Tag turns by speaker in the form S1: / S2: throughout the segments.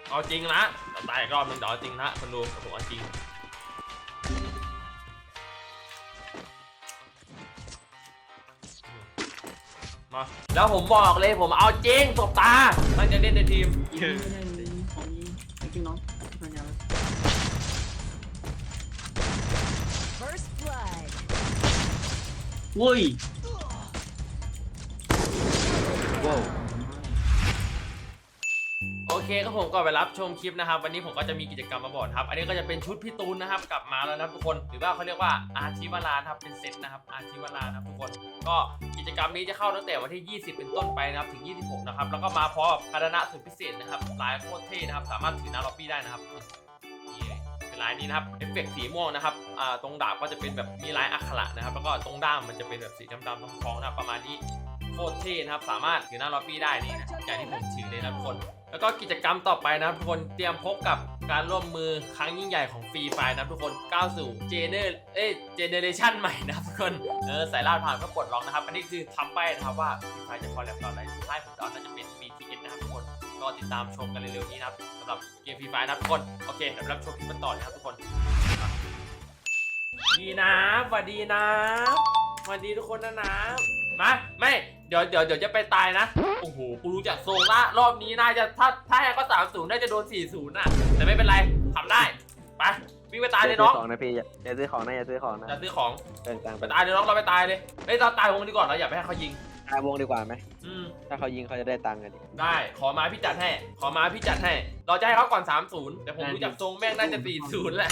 S1: เอาจริงนะตายอีกรอบนึงเดี๋ยวเอาจริงนะคนดูผมเอาจริงมาแล้วผมบอกเลยผมเอาจริงตบตามันจะเล่นในทีม
S2: ไม่ได้เลยของนี้ไอ้พี่น้องมันยาว
S3: First blood.
S2: โว้ย
S4: ว้าว
S1: โอเคก็ผมก็ไปรับชมคลิปนะครับวันนี้ผมก็จะมีกิจกรรมมาบอกครับอันนี้ก็จะเป็นชุดพี่ตูนนะครับกลับมาแล้วนะทุกคนหรือว่าเขาเรียกว่าอาชีวราครับเป็นเซตนะครับอาชีวราครับทุกคนก็กิจกรรมนี้จะเข้าตั้งแต่วันที่20เป็นต้นไปนะครับถึง26นะครับแล้วก็มาพร้อมกับภาชนะสุดพิเศษนะครับลายโคตรเท่นะครับสามารถถือหน้าล็อบบี้ได้นะครับนี่เป็นลายนี้นะครับเอฟเฟกต์สีม่วงนะครับตรงดาบก็จะเป็นแบบมีลายอักขระนะครับแล้วก็ตรงด้ามมันจะเป็นแบบสีดำๆทองๆนะครับประมาณนี้โคตรเท่นะครับสามารถถือหน้าล็อบบี้ได้นี่นะอย่างที่ผมถือเลยนะทุกคนแล้วก็กิจกรรมต่อไปนะครับทุกคนเตรียมพบกับการร่วมมือครั้งยิ่งใหญ่ของฟรีไฟนะทุกคนก้าวสู่เจเนเรชั่นใหม่นะครับทุกคนสายล่าผ่านก็ปลดล็อกนะครับอันนี้คือทำไปนะครับว่าฟรีไฟจะคอลแลบต่ออะไรสุดท้ายผมจะเอาน่าจะเป็น BTS นะครับทุกคนก็ติดตามชมกันเร็วๆนี้นะครับสำหรับเกมฟรีไฟนะทุกคนโอเคเดี๋ยวรับชมคลิปกันต่อนะครับทุกคนดีนะสวัสดีนะสวัสดีทุกคนนะมาไม่เดี๋ยวจะไปตายนะโอ้โหกูรู้จักโซงละรอบนี้น่าจะถ้าแฮกก็30น่าจะโดน40น่ะแต่ไม่เป็นไรทำได้ไปวิ่งไปตายเลยน้อง
S4: ของนะพี่อย่าซื้อของนะอย่าซื้อของนะ
S1: จะซื้อของ
S4: เดินกลาง
S1: ไปตายเลยน้องเราไปตายเลยเฮ้ยเราตายวงดีก่อนเราอย่าไปให้เขายิง
S4: ตายวงดีกว่าไหม
S1: ถ้า
S4: ถ้าเขายิงเขาจะได้ตังค์กันดิ
S1: ได้ขอมาพี่จัดให้เราจะให้เขาก่อน30แต่ผมรู้จักทรงแม่งน่าจะ40แหละ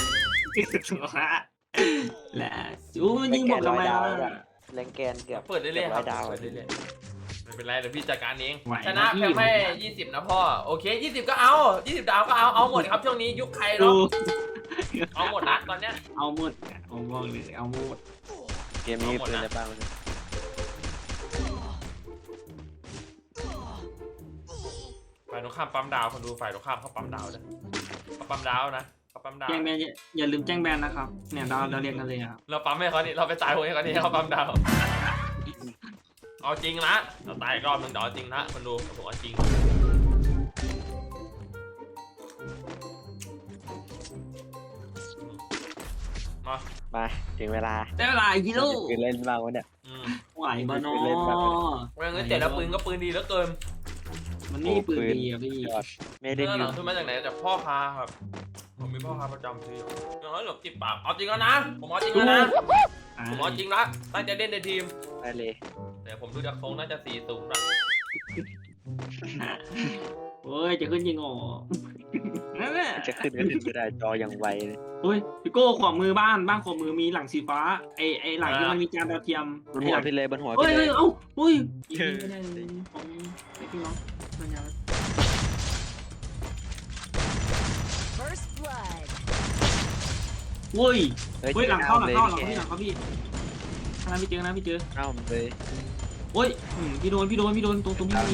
S2: แหละอู้มันยิงบอกทำไมล่ะ
S4: แรงแกนเกือบ
S1: เปิดเรื่อยๆครับ
S4: ดาว
S1: เปิดเรื่อยๆไม่เป็นไรเดี๋ยวพี่จัดการเอง
S2: ไหว
S1: ชนะเพียงแค่20นะพ่อโอเค20ก็เอา20ดาวก็เอาหมดครับช่วงนี้ยุคใครเนาะเอาหมดนะตอนเนี้ย
S2: เอาหมดเอาบอกเลยเอาหมด
S4: เกมนี้มีปืนในบ้างมัน
S1: ฝ่ายตรงข้ามปั๊มดาวคนดูฝ่ายตรงข้ามเขาปั๊มดาวนะเขาปั๊มดาวนะเขาปั๊มดาว
S2: แจ้งแบนอย่าลืมแจ้งแบนนะครับเนี่ยเราเรียกกันเลยครับ
S1: เราปั๊มให้เขานี่เราไปตายให้เขานี่เขาปั๊มดาวเอาจริงนะเราตายอีกรอบนึงเดี๋ยวเอาจริงนะคนดูผมเอาจริง
S4: มาถึงเวลา
S2: ได้เวลาฮีโร่
S4: ปืนเล่นบ้างวะเนี่ย
S2: ไหวบ้านอ
S1: เมื่อกี้แต่ละปืนก็ปืนดีเหลือเกิน
S2: มันนี่ปืนดีอ่ะพี่
S4: ยอดไม่ได้
S1: เรื่องห
S4: ยิ
S1: ลั
S4: ง
S1: งขึ้นมาจากไหนจากพ่อค้าครับผมมีพ่อค้าประจำที่อย่างน้อยหลบติดปากเอาจริงแล้วนะผมเอาจริงแล้วนะผมเอาจริงละตั้งใจเล่นในทีม
S4: ได้เลย
S1: แต่ผมดูจากทรงน่าจะ40ละ
S2: โอ้ยจะขึ้นยิงอ๋อนั่นแหละ
S4: จะขึ้นก็ขึ้นไม่ได้จออย่างไวเลย
S2: โอ้ยพี่โก้ขวามือบ้านขวามือมีหลังสีฟ้าไอหลังที่มันมีจานดาวเทียม
S4: บนหัวพี่เลยบนหัว
S2: เฮ้
S4: พี่
S2: ย
S4: เลย
S2: เอ้าเฮ้ยไม่ได้เลยของไอพี่น้องมันยาว
S3: First blood.
S2: โอ้ย
S4: เฮ้ย
S2: เฮ้ยหลังเข้า
S4: เลย
S2: พี่ทางนั้นพี่เจอนะพี่เจอ
S4: เอ้ามันเลย
S2: โอ้ยพี่โดนตรงพี่มี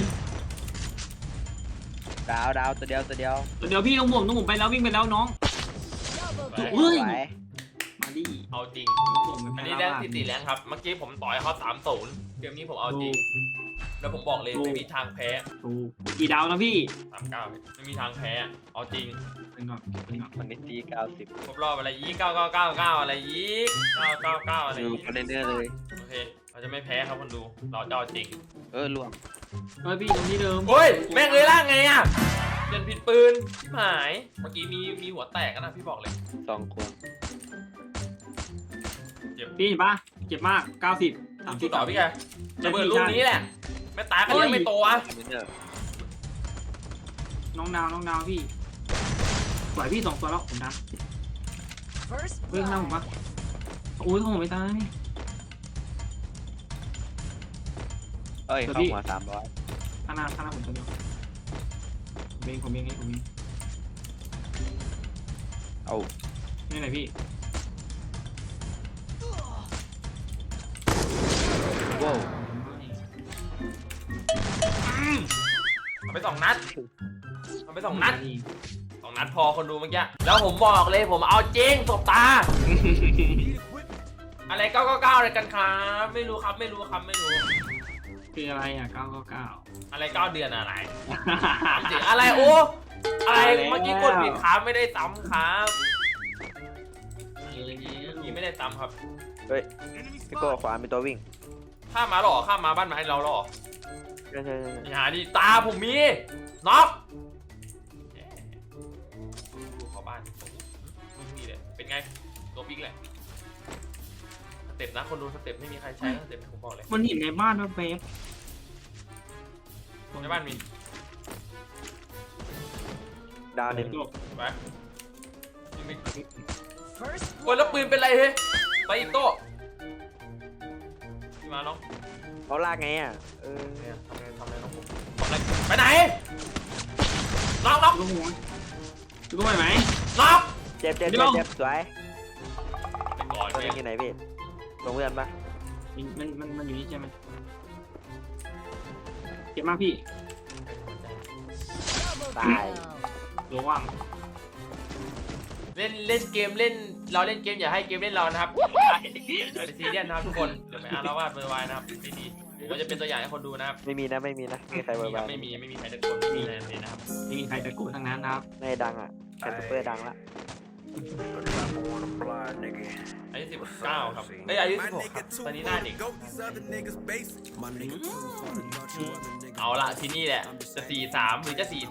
S4: ดาวตัวเดียว
S2: เดี๋ยวพี่ต้องผมไปแล้ววิ่งไปแล้วน้อง
S3: Double
S2: เฮ้ย
S4: ไหว
S2: มาดิ
S1: เอาจริง
S2: ผม
S1: อันนี้แรงตีแรงครับ เมื่อกี้ผมต่อยเขา30เกมนี้ผมเอาจริง แล้วผมบอกเลยไม่มีทางแพ้
S2: ถูกกี่ดาวนะพี่
S1: 39ไม่มีทางแพ้ เอาจริง
S2: เป็นก่อน
S4: คนนี้ตี90
S1: ครบรอบอะไรยี่999อะไรยี่999อะไร
S4: ดู
S1: ยี่
S4: คอนเทนเนอร์เลย
S1: โอเคเราจะไม่แพ้ครับคนดูเราจะเอาจริง
S4: ล่วง
S2: เฮ้ยพี่ตรงที่เดิม
S1: เฮ้ยแม่งเลยล่างไงอ่ะเปลี่ยนผิดปืนชิบหายเมื่อกี้มีหัวแตกนะพี่บอกเลย
S4: 2 คน
S1: เจ็บ
S2: พี่เห็นปะเจ็บมาก90
S1: จุดต่อพี่แกจะเบิดลูกนี้แหละไม่ตายกันยังไม่โตอ่ะ
S4: คอนเทนเนอร์
S2: น้องดาวพี่ปล่อยพี่2ตัวแล้วผมนะ
S3: First
S2: เฮ้ยข้างหน้าผม
S3: blood.
S2: ปะโอ้ยของผมไม่ตายนี่
S4: เอ้ยเข้าหัว300
S2: ข้างหน้าผมตัวเดียวผมเอง
S4: เอา
S2: นี่ไหนพี่
S4: ว้าว
S1: เอาไป2 นัดเอาไป2 นัด2 นัดพอคนดูเมื่อกี้แล้วผมบอกเลยผมเอาจริงตบตา อะไร999อะไรกันครับไม่รู้
S2: คืออะไรอ่ะ999
S1: อะไร9 เดือนอะไรถามจริงอะไรโอ้อะไรเมื่อกี้กดผิดครับไม่ได้ซ้ำครับเมื่อกี้ไม่ได้ซ้ำครับ
S4: เฮ้ยพี่โก้ขวามีตัววิ่ง
S1: ข้ามมาหรอข้ามมาบ้านไม้เราหรอ
S4: ใช่
S1: อย่าดิตาผมมีน็อกดูเข้าบ้านนี่เลยเป็นไงตัวบิ๊กเลยสเต็ปนะคนดูสเต็ปไม่มีใครใช้สเต็ปผมบอกเลย
S2: มันเห็นในบ้านว่าเบฟ
S1: ในบ้านมี
S4: ดาวหนึ่ง
S1: ไปยิงไป
S3: First
S1: โอ้ยแล้วปืนเป็นไรเฮ้ยไปอีกโต้มาน้อง
S4: เขาลากไงอ่ะ
S1: เนี่ยทำไงน้องผมทำอะไรไปไหนน็อก
S2: ลูกหัวลูกไหวไหม
S1: น็อก
S4: เจ็บสวย
S1: ไปก่อน
S4: ตัว
S1: เล
S4: นี้
S1: ย
S4: อยู่ไหนพี่ลงเพื่อนปะ
S2: มันอยู่นี่ใช่ไหมเจ็บมากพี่
S3: double
S4: ตาย
S3: kill.
S2: ระวัง
S1: เล่นเกมเล่นเราเล่นเกมอย่าให้เกมเล่นเรานะครับอย่าไปซีเรียสนะครับทุกคนเดี๋ยวไปอารวาสเบอร์ไวนะครับไม่ดีผมก็จะเป็นตัวอย่างให้คนดูนะครับ
S4: ไม่มีนะไม่มีใครเบอร์บา
S1: ไม่มีใครตะโกนไม่มีอะไรเลยนะครับ
S2: ไม่มีใครตะโกนทั้งนั้นนะครับ
S4: ในดังอ่ะแคนซูเปอร์ดังละ
S1: อายุ19ครับเอ้ยอายุ16ครับตอนนี้หน้าเด็กเอาละที่นี่แหละจะ43หรือจะ43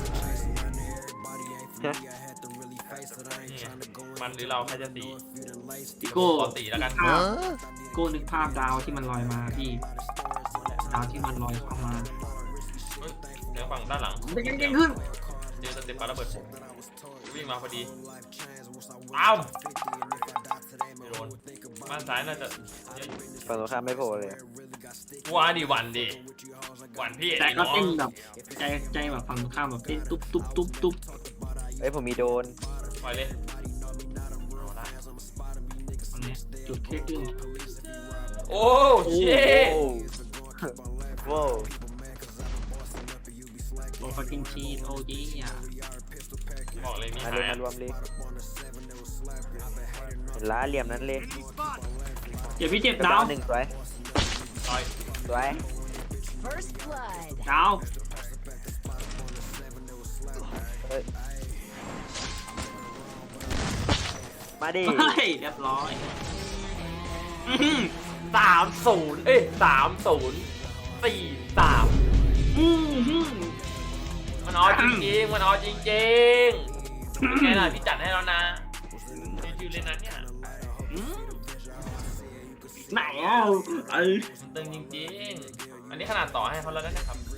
S1: นี่มันหรือเราใครจะ4
S2: พี่โก้
S1: ขอ4แล้วกัน
S2: โก้นึกภาพดาวที่มันลอยมาพี่ดาวที่มันลอยเข้ามา
S1: เฮ้ยเดี๋ยวฝั่งด้านหลัง
S2: เก่งขึ้น
S1: เจอสเต็ปปาระเบิดผมวิ่งมาพอดีอ้าวไม่โดนบ้านซ้ายน่าจะเยอะอยู่
S4: ฝั่งตรงข้ามไม่โผล่เลย
S1: ว้าดิวันดิวันพี่
S2: แต่ก็
S1: น้อง
S2: เต้นแบบใจแบบฝั่งตรงข้ามแบบเต้นตุ๊บ
S4: เอ้ยผมมีโดน
S1: ปล่อยเลยเอาละ
S2: ตรงนี้จุดแค่ครึ่ง
S1: โอ้เช่
S4: โว้ว
S2: โอ้ฟักกิ้งชีสโอ้ยอ่ะ
S1: บอกเลยมี
S4: มา
S1: หา
S4: เลย
S1: ย
S4: มารวมเลยเห็นล้าเหลี่ยมนั้นเลย
S2: เดี๋ยวพี่เจ็บดาว
S4: หนึ่งสวย
S1: ต่อย
S4: สวย
S3: First blood.
S2: ดาว
S4: เฮ้ยมาดิ
S2: เฮ้ยเรียบร้อย
S1: 30เอ้ย30 43มันเอาจริงๆมันเอาจริงๆเป็นไงล่ะพี่จัดให้แล้วนะชิวๆเลยนะเนี่ย
S2: ไหนอ่ะ
S1: ตึงจริงๆอันนี้ขนาดต่อให้เขาแล้วนะครับ